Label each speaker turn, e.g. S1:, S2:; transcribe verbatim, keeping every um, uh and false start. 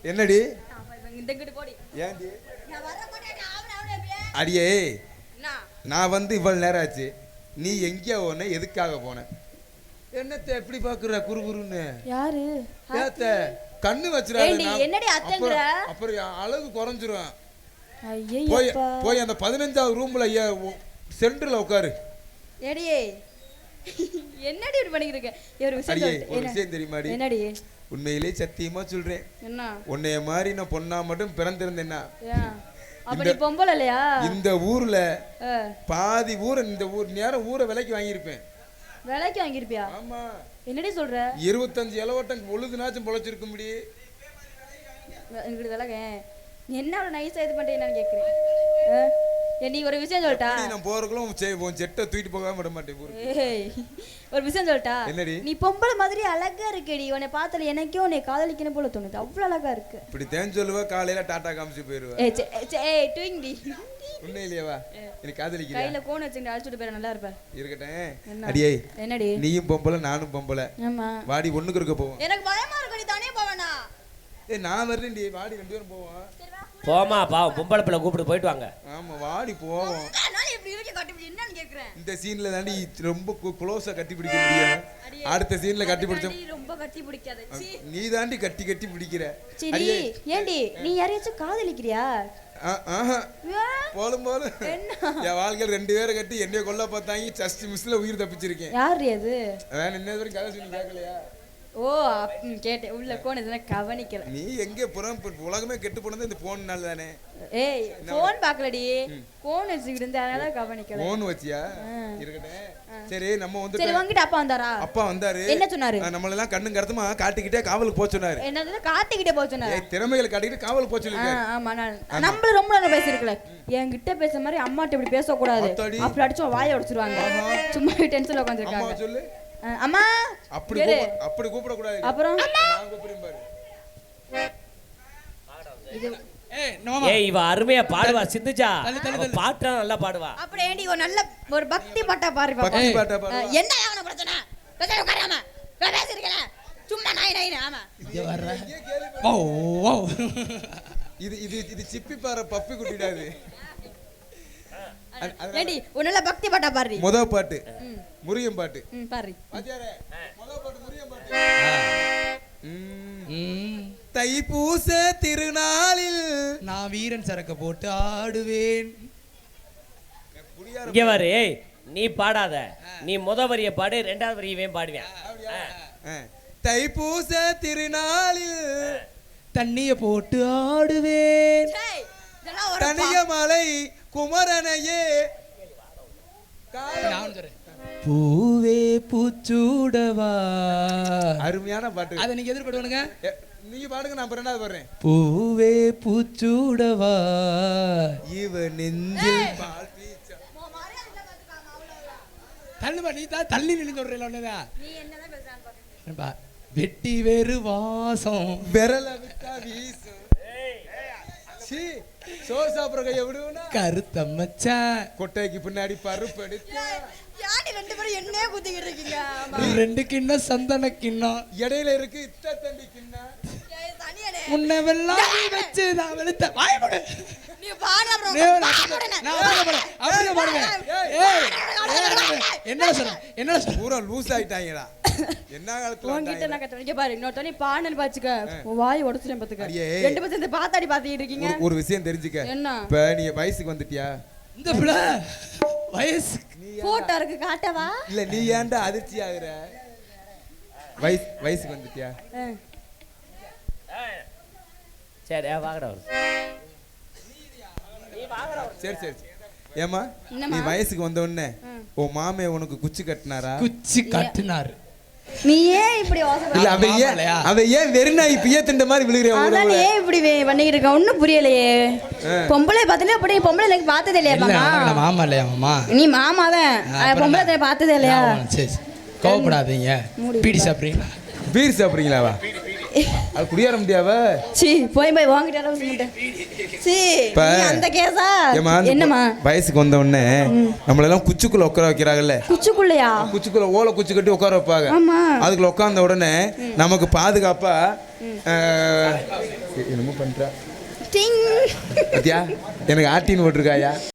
S1: என்னடி
S2: இந்த கிட்ட போடி
S1: ஏன்டி
S2: நான் வர மாட்டேன் அவன அவன
S1: அடியே
S2: என்ன
S1: நான் வந்து இவ்வளவு நேரம் ஆச்சு நீ எங்கேயா போன எதுக்காக போன என்னத்தை எப்படி பாக்குற குறுகுறுன்னு
S2: யாரு
S1: ஏத்த கண்ணு வச்சிராத
S2: என்னடி அத்தங்கற
S1: அப்புறம் அழகு குறைஞ்சிரும்
S2: ஐயே
S1: போய் போய் அந்த பதினைஞ்சாவது ரூம்ல சென்டர்ல உட்காரு
S2: ஏடியே என்னடி இப்படி பண்ணிட்டு இருக்க ஒரு விஷயம்
S1: சொல்றேன் ஒரு விஷயம் தெரியுமாடி
S2: என்னடி
S1: உண்மையிலே சத்தியமா சொல்றேன்
S2: என்ன
S1: உன்னைய மாதிரி நான் பொண்ணா மட்டும் பிறந்திருந்தேன்னா
S2: அப்ப நீ பொம்பள இல்லையா
S1: இந்த ஊர்ல பாதி ஊரை இந்த ஊர் நேரம் ஊரை விலைக்கு வாங்கியிருப்பேன்
S2: விலைக்கு வாங்கியிருப்பியா
S1: ஆமா
S2: என்னடி சொல்ற
S1: இருபத்தஞ்சு இலவட்டம் பொழுதுனாச்சும் பொழைச்சிருக்க முடியும்
S2: எங்கிட்ட விலக என்ன அவ்வளோ நைஸா இது பண்ணிட்டு என்னன்னு கேட்குறேன் நீ ஒரு விஷயம் சொல்லிட்டா
S1: நான் போறதுக்குள்ள செட்டை தூக்கிட்டு போகாம விட மாட்டேன்
S2: ஏய் ஒரு விஷயம் சொல்லிட்டா
S1: என்னடி
S2: நீ பொம்பளை மாதிரி அழகா இருக்கடி உன்னை பார்த்தால எனக்கே உன்னை காதலிக்கணும் போல தோணுது அவ்வளவு அழகா இருக்கு
S1: இப்படி தேன் சொல்லுவா காலையில டாடா காமிச்சு போயிருவா
S2: ஏய் ஏய் டுயிங்டி
S1: உண்மையிலேவா எனக்கு காதலிக்கிறேன்
S2: கையில கோன் வச்சுட்டு அழைச்சிட்டு போற நல்லா இருப்ப
S1: இருக்கட்டும் அடியே
S2: என்னடி
S1: நீயும் பொம்பளை நானும் பொம்பளை
S2: ஆமா
S1: வாடி ஒண்ணுக்கு இருக்க போவோம்
S2: எனக்கு பயமா இருக்கு நீ தானே போவேனா
S1: ஏய் நான் வரேன்டி வாடி ரெண்டு பேரும் போவோம்
S3: போமா பாவம் பொம்பளை பிள்ளை கூப்பிட்டு போயிட்டு வாங்க
S1: ஆமா வாடி போவோம்
S2: நான் இப்படி இருக்க கட்டி பிடி என்னன்னு கேக்குறேன்
S1: இந்த சீன்ல தாண்டி ரொம்ப க்ளோஸா கட்டி பிடிக்க முடியும் அடுத்த சீன்ல கட்டி பிடிச்சோம்
S2: ரொம்ப கட்டி பிடிக்காத
S1: நீ தாண்டி கட்டி கட்டி பிடிக்கிற
S2: சரி ஏண்டி நீ யாரையாச்சும் காதலிக்கிறியா
S1: ஆஹா போலும் போலும் என் வாழ்க்கையில் ரெண்டு பேரை கட்டி என்னைய கொல்ல பார்த்தாங்க ஜஸ்ட் மிஸ்ல உயிர் தப்பிச்சிருக்கேன்
S2: யாரு அது
S1: வேற என்ன வரைக்கும் கதை சொல்லி கேட்கலையா
S2: ஓ கேட்டேன் உள்ள போன் எதுனா கவனிக்கல
S1: நீ எங்க புறம் உலகமே கெட்டு போனது இந்த போன்னால தானே
S2: ஏய் போன் பார்க்கலடி போன் வச்சுக்கிட்டு இருந்தேன் அதனால கவனிக்கல
S1: போன் வச்சியா இருக்கட்டும் சரி நம்ம வந்து
S2: சரி வாங்கிட்டு அப்பா வந்தாரா
S1: அப்பா வந்தாரு
S2: என்ன சொன்னாரு
S1: நம்மள எல்லாம் கண்ணும் கருத்துமா காட்டிக்கிட்டே காவலுக்கு போக சொன்னாரு
S2: என்னது காட்டிக்கிட்டே போக சொன்னாரு
S1: திறமைகளை காட்டிக்கிட்டு காவலுக்கு போக சொல்லிருக்காரு
S2: ஆமா நான் நம்மள ரொம்ப நேரம் பேசிருக்கல என்கிட்ட பேசுற மாதிரி அம்மாட்ட இப்படி பேச கூடாது அப்படி அடிச்சு வாயை உடைச்சிருவாங்க சும்மா டென்ஷன்ல உட்கார்ந்திருக்காங்க
S1: அம்மா சொல்லு
S2: அம்மா
S1: அப்படி அப்படி கூப்பிட கூடாது
S2: அப்புறம்
S1: நான் கூப்பிடுறேன் பாரு
S3: இது ஏய் இவ அருமையா பாடுவா சிந்துஜா பாட்டா நல்லா பாடுவா
S2: அப்படி ஏண்டி ஒரு நல்ல ஒரு பக்தி பாட்டா பாரு
S1: பக்தி பாட்டா பாரு
S2: என்ன அவன பிரச்சனை பிரச்சனை உட்காராம நான் பேசிருக்கேன் சும்மா நாய் நாய் ஆமா
S4: இங்க வர்ற வா வா
S1: இது இது இது சிப்பி பாற பப்பி குட்டிடாது
S2: ஏண்டி ஒரு நல்ல பக்தி பாட்டா பாரு
S1: முத பாட்டு முருகன் பாட்டு
S2: ம் பாரு
S1: பாத்தியாரே முத பாட்டு முருகன் பாட்டு ம் தைப்பூச திருநாளில்
S4: நான் வீரன் சரக்க போட்டு ஆடுவேன்
S3: இங்க வரு ஏய் நீ பாடாத நீ முத வரிய பாடு ரெண்டாவது வரியவே பாடுவேன்
S1: தைப்பூச திருநாளில்
S4: தண்ணிய போட்டு ஆடுவேன்
S1: தனிய மலை குமரனையே
S4: பூவே பூச்சூடவா
S1: அருமையான பாட்டு
S4: அதை நீங்க எதிர்பார்த்துவனுங்க
S1: நீங்க பாடுங்க நான் ரெண்டாவது பாடுறேன்
S4: பூவே பூச்சூடவா
S1: இவ நெஞ்சில் பால்
S4: தள்ளுமா நீ தான் தள்ளி நின்று சொல்றீல ஒண்ணுதான் நீ என்னதான் பேசுறான்னு பாரு வெட்டி வேறு வாசம்
S1: விரல விட்டா வீசும் சி சோ சாப்பிடுற கைய விடுவனா
S4: கருத்த மச்சான்
S1: கொட்டைக்கு பின்னாடி பருப்பு எடுத்து
S2: யாடி ரெண்டு பேரும் என்னையே குத்திக்கிட்டு இருக்கீங்க
S4: ரெண்டு கிண்ணம் சந்தன கிண்ணம்
S1: இடையில இருக்கு இத்த தண்டி கிண்ணம்
S4: உன்னை வெல்லாம் வச்சு நான் வெளுத்த வாய் போடு
S2: நீ பாடு அப்புறம்
S4: நான் அப்படியே அப்படியே பாடுவேன் ஏய் என்ன சொல்ற என்ன சொல்ற
S1: பூரா லூஸ் ஆயிட்டாங்கடா என்ன காலத்துல
S2: உன்கிட்ட நான் கத்துறேன் இங்க பாரு இன்னொரு தண்ணி பானல் பாச்சுக்க வாய் உடைச்சிட்டேன் பாத்துக்க ரெண்டு பேரும் இந்த பாத்தாடி பாத்திட்டு இருக்கீங்க
S1: ஒரு விஷயம் தெரிஞ்சுக்க
S2: என்ன
S1: இப்ப நீ வயசுக்கு வந்துட்டியா
S4: இந்த புள்ள வயசு
S2: போட்டோ இருக்கு காட்டவா
S1: இல்ல நீ ஏன்டா அதிர்ச்சி ஆகுற வயசு வயசுக்கு வந்துட்டியா
S3: சரி வாங்கடா
S1: சரி சரி ஏமா நீ வயசுக்கு வந்த உடனே உன் மாமே உனக்கு குச்சி கட்டினாரா
S4: குச்சி கட்டினாரு
S2: நீ ஏன் இப்படி
S1: இல்ல அவ ஏன் அவ ஏன் வெறுநாய் பிய திண்ட மாதிரி விழுகிறே
S2: அதான் ஏன் இப்படி பண்ணிட்டு இருக்க ஒண்ணும் புரியலையே பொம்பளை பார்த்தல அப்படி பொம்பளை எனக்கு பார்த்ததே இல்லையா
S4: மாமா மாமா இல்லையா மாமா
S2: நீ மாமா தான் பொம்பளை பார்த்ததே இல்லையா
S4: சரி கோவப்படாதீங்க பீடி சாப்பிடுறீங்களா
S1: பீர் சாப்பிடுறீங்களாவா அது குடியார முடியாவ
S2: சீ போய் போய் வாங்கிட்டு அளவு சொல்லிட்டேன் சீ
S1: இப்ப
S2: நீ அந்த கேஸா
S1: ஏம்மா, அந்த
S2: என்னம்மா
S1: வயசுக்கு வந்த உடனே நம்மளெல்லாம் குச்சிக்குள்ள உட்கார வைக்கிறாங்கல்ல,
S2: குச்சிக்குள்ளையா
S1: குச்சிக்குள்ள ஓலை குச்சி கட்டி உட்கார வைப்பாங்க.
S2: ஆமா
S1: அதுக்குள்ள உட்கார்ந்த உடனே நமக்கு பாதுகாப்பா அஹ், என்னமோ பண்றா
S2: டிங்
S1: பாத்தியா, எனக்கு ஆட்டின்னு போட்டிருக்காயா.